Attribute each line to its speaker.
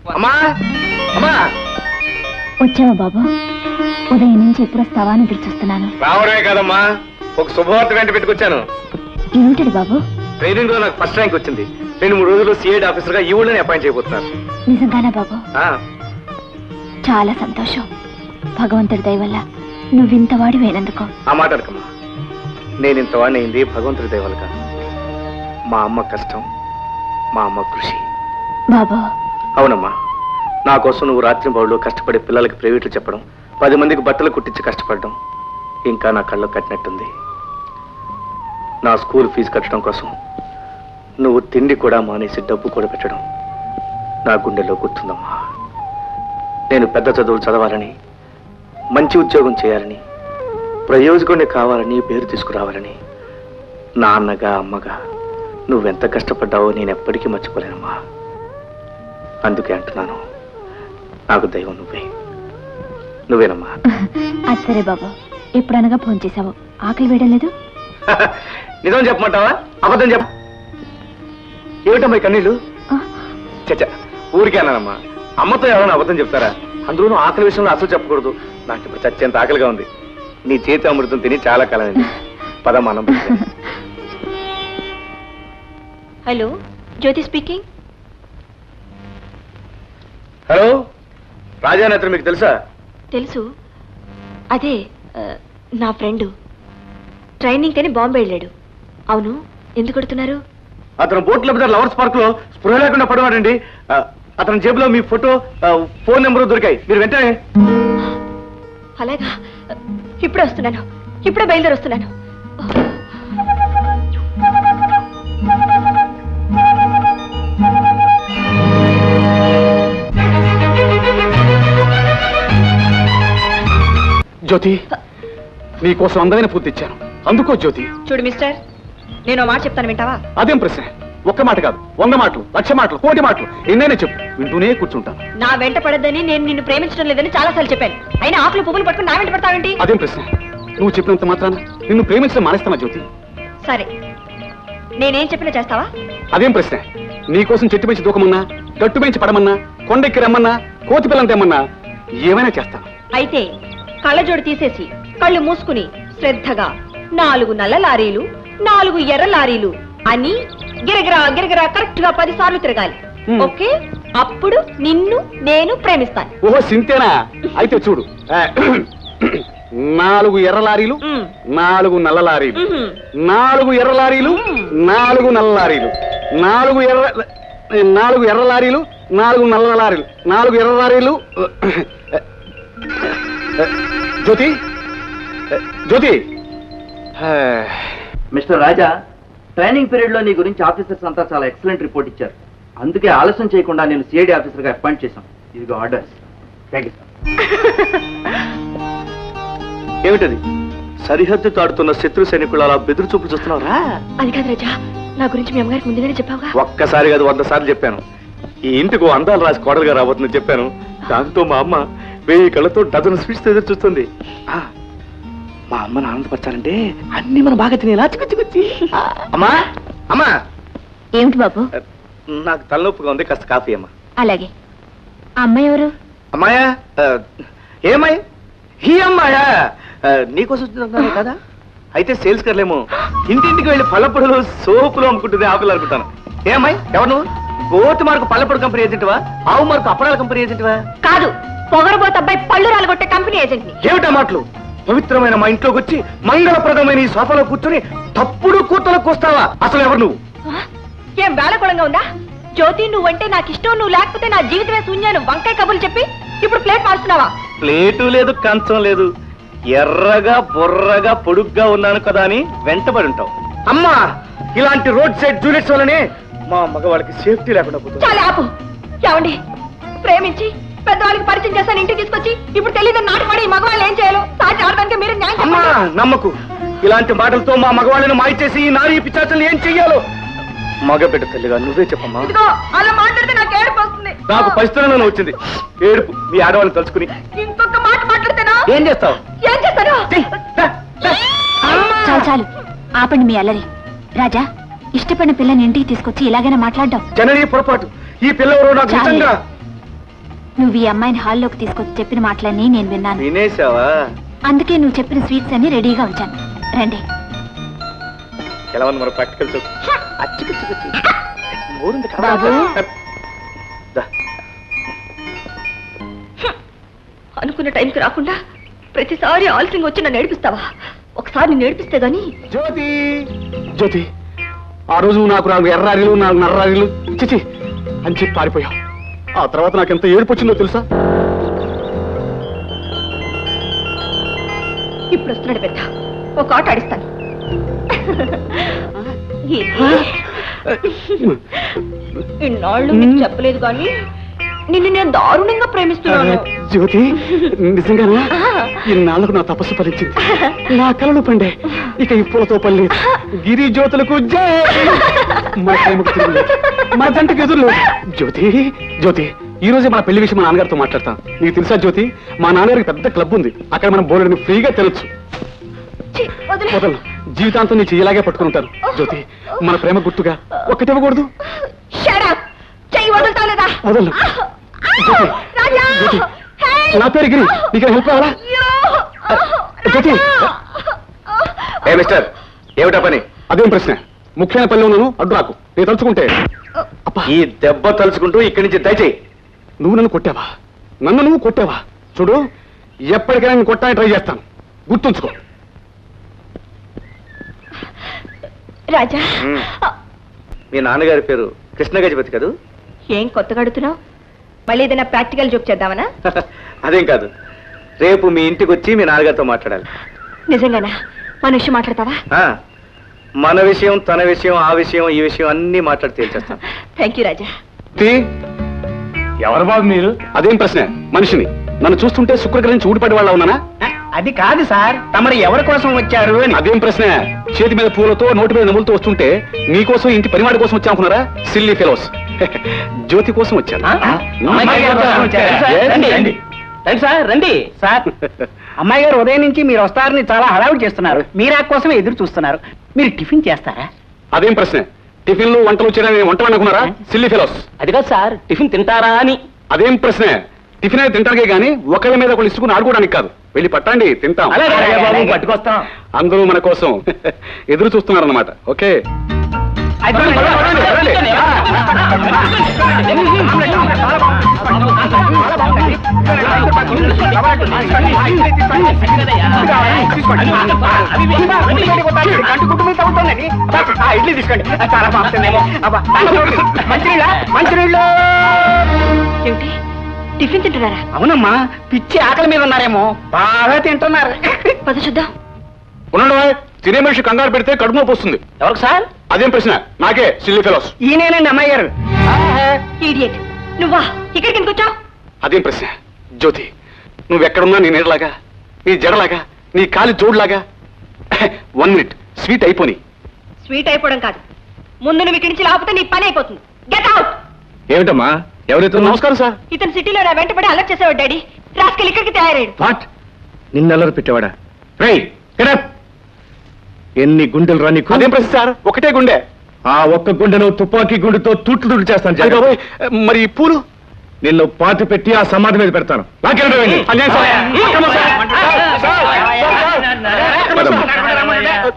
Speaker 1: అమ్మా అమ్మా
Speaker 2: వచ్చావా బాబు? ఉదయం నుంచి ఎప్పుడు వస్తావా అని ఎదురు చూస్తున్నాను.
Speaker 1: రావడమే కాదమ్మా, ఒక శుభవార్త వెంట పెట్టుకొచ్చాను.
Speaker 2: ఏమిటది బాబు?
Speaker 1: ట్రైనింగ్ లో నాకు ఫస్ట్ ర్యాంక్ వచ్చింది. 2-3 రోజుల్లో సిఐడి ఆఫీసర్ గా ఈ ఊళ్ళోనే అపాయింట్ చేయబోతున్నారు.
Speaker 2: నిజంగానా బాబు? చాలా సంతోషం. భగవంతుడి దయ వల్ల నువ్వింతవాడి వేనందుకో.
Speaker 1: ఆ మాట అనకమ్మా. నేను ఇంతవాడిని అయింది భగవంతుడి దయ వల్ల కాదు. మా అమ్మ కష్టం, మా అమ్మ కృషి.
Speaker 2: బాబు.
Speaker 1: అవునమ్మా, నా కోసం నువ్వు రాత్రి బౌళ్ళు కష్టపడి పిల్లలకి ప్రైవేట్లు చెప్పడం, 10 మందికి బట్టలు కుట్టించి కష్టపడడం ఇంకా నా కళ్ళు కట్టినట్టుంది. నా స్కూల్ ఫీజు కట్టడం కోసం నువ్వు తిండి కూడా మానేసి డబ్బు కూడా పెట్టడం నా గుండెల్లో గుర్తుందమ్మా. నేను పెద్ద చదువులు చదవాలని, మంచి ఉద్యోగం చేయాలని, ప్రయోజకుడిని కావాలని, పేరు తీసుకురావాలని నాన్నగా అమ్మగా నువ్వెంత కష్టపడ్డావో నేను ఎప్పటికీ మర్చిపోలేనమ్మా. అందుకే అంటున్నాను, నాకు దైవం నువ్వేనమ్మా.
Speaker 2: అది సరే బాబు, ఎప్పుడనగా ఫోన్ చేశావు? ఆకలి వేయడం లేదు?
Speaker 1: నిజం చెప్పమంటావా, అబద్ధం చెప్ప? ఏమిటమ్మా ఈ కన్నీళ్ళు? చచ్చా, ఊరికే అన్నానమ్మా. అమ్మతో ఎవరైనా అబద్ధం చెప్తారా? అందులోనూ ఆకలి విషయంలో అసలు చెప్పకూడదు. నాకు ఇప్పుడు చచ్చేంత ఆకలిగా ఉంది. నీ చేతి అమృతం తిని చాలా కాలం అయింది. పదమ్మా అన్నం.
Speaker 2: Hello, Jyothi speaking.
Speaker 1: Hello, Rajanetra మీకు తెలుసా?
Speaker 2: తెలుసు. అదే నా ఫ్రెండ్ ట్రైనింగ్ కని బాంబే వెళ్ళాడు. అవును, ఎందుకు కొడుతున్నారు?
Speaker 1: అతను బోట్లో మీద లవర్స్ పార్క్ లో స్పృహ లేకుండా పడవాడండి. అతని జేబులో మీ ఫోటో, ఫోన్ నెంబర్ దొరికాయి. మీరు వెంటనే.
Speaker 2: అలాగా, ఇప్పుడే వస్తున్నాను, ఇప్పుడే బయలుదేరి వస్తున్నాను.
Speaker 1: జ్యోతి, నీకోసం అందమైన పూర్తి ఇచ్చాను, అందుకో జ్యోతి.
Speaker 2: చూడు మిస్టర్, నేను మాట చెప్తాను, వింటావా?
Speaker 1: అదేం ప్రశ్న? ఒక్క మాట కాదు, 100 మాటలు, 1,00,000 మాటలు, 1,000,000 మాటలు ఎన్నైనా చెప్పు, వింటూనే కూర్చుంటాను.
Speaker 2: నా వెంట పడద్దని నేను నిన్ను ప్రేమించడం లేదని చాలా సార్లు చెప్పాను. అయినా ఆకులు పువ్వులు పట్టుకుని నా వెంట పడతావేంటి?
Speaker 1: అదేం ప్రశ్న? నువ్వు చెప్పినంత మాత్రాన నిన్ను ప్రేమించడం మానేస్తానా జ్యోతి?
Speaker 2: సరే, నేనేం చెప్పినా చేస్తావా?
Speaker 1: అదేం ప్రశ్న? నీకోసం చెట్టు పెంచి దూకమన్నా, గట్టు పెంచి పడమన్నా, కొండెక్కి రమ్మన్నా, కోతి పిల్లని తెమ్మన్నా ఏమైనా చేస్తాను.
Speaker 2: అయితే కళ్ళజోడు తీసేసి కళ్ళు మూసుకుని శ్రద్ధగా 4 నల్ల లారీలు, 4 ఎర్ర లారీలు అని గిరగిరా గిరగిరా కరెక్ట్ గా 10 సార్లు తిరగాలి. ఓకే? అప్పుడు నిన్ను నేను ప్రేమిస్తాను.
Speaker 1: ఓహో, సింతేనా? అయితే చూడు, 4 ఎర్ర లారీలు, 4 నల్ల లారీలు, 4 ఎర్ర లారీలు, 4 నల్ల లారీలు, 4 ఎర్ర లారీలు, 4 నల్ల లారీలు, 4 ఎర్ర లారీలు. Jyothi, Jyothi.
Speaker 3: Mister Raja, training period లో నీ గురించి ఆఫీసర్స్ అంతా చాలా ఎక్సలెంట్ రిపోర్ట్ ఇచ్చారు. అందుకే ఆలస్యం చేయకుండా నేను సిఐడి ఆఫీసర్ గా అపాయింట్ చేశాం. ఇదిగో ఆర్డర్స్. Thank you sir.
Speaker 1: ఏమిటది? సరిహద్దు తాడుతున్న శత్రు సైనికులు అలా బెదురు చూపులు చూస్తున్నారా?
Speaker 2: అది కాదు రాజా, నా గురించి మీ అమ్మగారికి ముందుగానే చెప్పావుగా.
Speaker 1: ఒక్కసారి కాదు, 100 సార్లు చెప్పాను. ఈ ఇంటికి అందాలు రాసి కోడలుగా రాబోతుందని చెప్పాను. దాంతో మా అమ్మ 1000 కళ్ళతో డజన్ స్వీట్స్ ఎదురు చూస్తుంది. మా అమ్మను ఆనందపరచాలంటే అన్ని మనం బాగా తినేలా చిక్కుచ్చి. అమ్మా, అమ్మా.
Speaker 2: ఏమిటి బాబు?
Speaker 1: నాకు తలనొప్పిగా ఉంది, కాస్త కాఫీ అమ్మా.
Speaker 2: అలాగే. అమ్మాయి ఎవరు?
Speaker 1: అమ్మాయా? ఏమాయి? ఈ అమ్మాయా నీకోసం వచ్చిందన్నాను కదా. అయితే సేల్స్ కర్లేమో ఇంటింటికి వెళ్ళి పళ్ళపొడులు, సోపులు అమ్ముకుంటుంది ఆపిల్ అనుకుంటాను. ఏమాయి, ఎవరు నువ్వు? గోతి మార్కు పళ్ళపొడు కంపెనీ ఏజెంట్వా? ఆవు మార్కు అప్పడాల కంపెనీ ఏజెంట్వా?
Speaker 2: కాదు, పొగరబోత అబ్బాయి పళ్ళు రాలగొట్టే కంపెనీ ఏజెంట్.
Speaker 1: ఏమిటా మాటలు? పవిత్రమైన మా ఇంట్లోకి వచ్చి మంగళప్రదమైన ఈ సోఫాలో కూర్చొని తప్పుడు కూతలకు వస్తావా? అసలు ఎవరు నువ్వు?
Speaker 2: ఏం వేళకుళంగా ఉందా? జ్యోతి, నువ్వంటే నాకు ఇష్టం, నువ్వు లేకపోతే నా జీవితమే శూన్యాను వంకాయ కబుర్లు చెప్పి ఇప్పుడు ప్లేట్ మార్చున్నావా?
Speaker 1: ప్లేటు లేదు, కంచం లేదు. ఎర్రగా బొర్రగా పొడుగ్గా ఉన్నాను కదా అని వెంటబడి ఉంటావు. అమ్మా, ఇలాంటి రోడ్ సైడ్ జూనియర్స్ వల్లనే మా మగవాళ్ళకి సేఫ్టీ లేకుండా పోతుంది.
Speaker 2: చాలా ఆపు. ఏమండి, ప్రేమించి పెద్దవాళ్ళకి పరిచయం చేస్తాను, ఇంటికి తీసుకొచ్చి ఇప్పుడు తెలియదు నాటుపడి మగవాళ్ళు ఏం చేయాలో సాటి ఆడడానికి మీరు న్యాయం.
Speaker 1: అమ్మా, నమ్మకు. ఇలాంటి మాటలతో మా మగవాళ్ళని మాయ చేసి ఈ నారీ పిచ్చాచలు ఏం చెయ్యాలో మగబిడ్డ తల్లిగా నువ్వే చెప్పమ్మా.
Speaker 2: అలా మాట్లాడితే నాకు ఏడుపు వస్తుంది.
Speaker 1: నాకు పరిస్థితులను వచ్చింది ఏడుపు మీ ఆడవాళ్ళని తలుచుకుని.
Speaker 2: ఇంకొక మాట మాట్లాడితేనా
Speaker 1: ఏం చేస్తావు?
Speaker 2: ఏం చేస్తాను? చాలు చాలు, ఆపండి మీ అల్లరి. రాజా, ఇష్టపడిన పిల్లని ఇంటికి తీసుకొచ్చి ఇలాగైనా మాట్లాడ్డావు?
Speaker 1: జననీ పొరపాటు. ఈ పిల్లవరు నాకు నిజంగా.
Speaker 4: నువ్వు ఈ అమ్మాయిని హాల్లోకి తీసుకొచ్చి చెప్పిన మాటలన్నీ నేను విన్నాను.
Speaker 1: వినేశావా?
Speaker 4: అందుకే నువ్వు చెప్పిన స్వీట్స్ అన్ని రెడీగా ఉంచాను. రండి.
Speaker 1: ఎలా ఉంది మరి ప్రాక్టికల్
Speaker 4: బాబు.
Speaker 2: అనుకున్న టైంకి రాకుండా ప్రతిసారి ఆలస్యంగా వచ్చి నన్ను ఏడిపిస్తావా? ఒకసారి నేను ఏడిపిస్తే గానీ
Speaker 5: జ్యోతి జ్యోతి, ఆ రోజు నాకు 4 ఎర్రారీలు 4 నర్రారీలు చిచి అని చెప్పి పారిపోయావు. ఆ తర్వాత నాకెంత ఏడుపు వచ్చిందో తెలుసా?
Speaker 2: ఇప్పుడు వస్తున్నాడు పెద్ద, ఒక ఆట ఆడిస్తాను. ఇన్నాళ్ళు నీకు చెప్పలేదు కానీ నిన్ను నేను దారుణంగా ప్రేమిస్తున్నాను.
Speaker 5: జ్యోతి, నిజంగానా? ఇన్నాళ్లకు నా తపస్సు ఫలించింది. నా కలలు పండే. ఇక ఈ పూలతో పని లేదు. గిరి జ్యోతులకు జై. మన ప్రేమకు తిరుగులేదు. మన జంటకు ఎదురు లేదు. జ్యోతి జ్యోతి, ఈ రోజే మన పెళ్లి విషయం మా నాన్నగారితో మాట్లాడతాం. నీకు తెలుసా జ్యోతి, మా నాన్నగారికి పెద్ద క్లబ్ ఉంది. అక్కడ మనం బోర్డుని ఫ్రీగా తినొచ్చు.
Speaker 2: ఛీ, వదిలే.
Speaker 5: వదలను, జీవితాంతం నీ చెయ్యలాగే పట్టుకుంటాను. జ్యోతి, మన ప్రేమ గుర్తుగా ఒకటి ఇవ్వకూడదు.
Speaker 2: Shut up! చెయ్యి వదులుతావు లేదా?
Speaker 5: వదలను. జ్యోతి,
Speaker 2: రాజా!
Speaker 5: జ్యోతి,
Speaker 2: Hey!
Speaker 5: నా పేరు గిరి. నీకు హెల్ప్ కావాలా?
Speaker 2: అయ్యో!
Speaker 5: జ్యోతి.
Speaker 1: ఏ మిస్టర్, ఏమిటా పని?
Speaker 5: అదేం ప్రశ్న? ముఖ్యమైన పనిలో ఉన్నాను, అడ్డు రాకు. నేను తలుచుకుంటే అబ్బా,
Speaker 1: ఈ దెబ్బ తలుచుకుంటూ ఇక్కడి నుంచి దయచేయి.
Speaker 5: నువ్వు నన్ను కొట్టావా? నన్ను నువ్వు కొట్టావా? చూడు, ఎప్పటికైనా నేను కొట్టాలని ట్రై చేస్తాను. గుర్తుంచుకో.
Speaker 2: రాజా,
Speaker 1: మ్మ్. మీ నాన్నగారి పేరు కృష్ణ గజపతి కదూ?
Speaker 2: ఏం కొత్తగా అడుగుతున్నావు? మళ్ళీ ఏదైనా ప్రాక్టికల్ జోక్ చేద్దామనా?
Speaker 1: అదేం కాదు, రేపు మీ ఇంటికి వచ్చి మీ నాన్నగారితో మాట్లాడాలి.
Speaker 2: నిజంగానా? మన విషయం మాట్లాడతావా?
Speaker 1: ఆ, మన విషయం, తన విషయం, ఆ విషయం, ఈ విషయం అన్ని మాట్లాడి తేల్చేస్తాం.
Speaker 2: థ్యాంక్ యూ రాజా.
Speaker 5: ఎవరు బాబు మీరు? అదేం ప్రశ్న? మనిషిని. నన్ను చూస్తుంటే శుక్రగ్రహించి ఊడిపడి వాళ్ళ ఉన్నానా?
Speaker 3: అది కాదు సార్, తమరు ఎవరి కోసం వచ్చారు అని.
Speaker 5: అదేం ప్రశ్న? చేతి మీద పూలతో నోటి మీద నములుతూ వస్తుంటే మీకోసం, ఇంటి పనివాడి కోసం వచ్చా అనుకున్నారా? Silly fellows. జ్యోతి కోసం వచ్చాను.
Speaker 3: అమ్మాయి గారి కోసం వచ్చారా?
Speaker 5: Yes.
Speaker 3: రండి, రండి. రండి సార్, రండి సార్. అమ్మాయి గారు ఉదయం నుంచి మీరు వస్తారని చాలా హడావుడి చేస్తున్నారు. మీరా కోసం ఎదురు చూస్తున్నారు. మీరు టిఫిన్ చేస్తారా?
Speaker 5: అదేం ప్రశ్న? టిఫిన్లు వంటలు చేయడానికి వంట అనుకున్నారా? Silly fellows.
Speaker 3: అది కాదు సార్, టిఫిన్ తింటారా అని.
Speaker 5: అదేం ప్రశ్న? టిఫిన్ అయితే తింటానికే గానీ ఒకళ్ళ మీద ఒకళ్ళు ఇసుకుని ఆడుకోవడానికి కాదు. వెళ్ళి పట్టండి, తింటాం.
Speaker 3: పట్టుకొస్తాం.
Speaker 5: అందరూ మన కోసం ఎదురు చూస్తున్నారన్నమాట. ఓకే.
Speaker 3: ఇడ్లీ తీసుకోండి, చాలా బాగుంటుందేమో. మంచినీళ్ళు.
Speaker 2: ఏమిటి, టిఫిన్ తింటున్నారా?
Speaker 3: అవునమ్మా, పిచ్చి ఆకలి మీద ఉన్నారేమో, బాగా తింటున్నారు.
Speaker 2: పద చూద్దాం.
Speaker 5: ఉన్నాడు, తినే మనిషి కంగారు పెడితే కడుపు నొప్పి వస్తుంది.
Speaker 3: ఎవరికి సార్?
Speaker 5: అదేం ప్రశ్న? నాకే, సిల్లీ ఫెలోస్.
Speaker 3: ఈయనేనండి అమ్మాయి గారు.
Speaker 2: ఈడియట్, నువ్వా ఇక్కడికి ఎందుకు వచ్చావు?
Speaker 5: అదేం ప్రశ్న? జ్యోతి, నువ్వెక్కడున్నా నీ నీడలాగా, నీ జడలాగా, నీ కాలి జోడులాగా. 1 మినిట్, స్వీట్ అయిపోని.
Speaker 2: స్వీట్ అయిపోవడం కాదు, ముందు నువ్వు ఇక్కడి నుంచి లాపితే నీ పని అయిపోతుంది. Get out.
Speaker 5: ఏమిటమ్మా? ఎవరైతే? నమస్కారం సార్.
Speaker 2: ఇతను సిటీలో నా వెంటబడి అలర్ట్ చేసేవాడు డాడీ. రాసుకెళ్ళి ఇక్కడికి తయారయ్యాడు.
Speaker 1: వాట్? నిన్నెల్లరు పెట్టేవాడా? రేయ్, get up. ఎన్ని గుండెలు రా నీకు?
Speaker 5: అదేం ప్రశ్న సార్? ఒకటే గుండె.
Speaker 1: ఆ ఒక్క గుండెను తుపాకీ గుండెతో తూట్లు చేస్తాను.
Speaker 5: అయ్ బాబోయ్, మరి ఈ పూలు?
Speaker 1: నిన్ను పాతి పెట్టి ఆ సమాధి మీద పెడతాను.
Speaker 5: అన్యాయం సార్. అక్రమం sir. Sir, sir, sir, sir.
Speaker 1: పదమ్మా.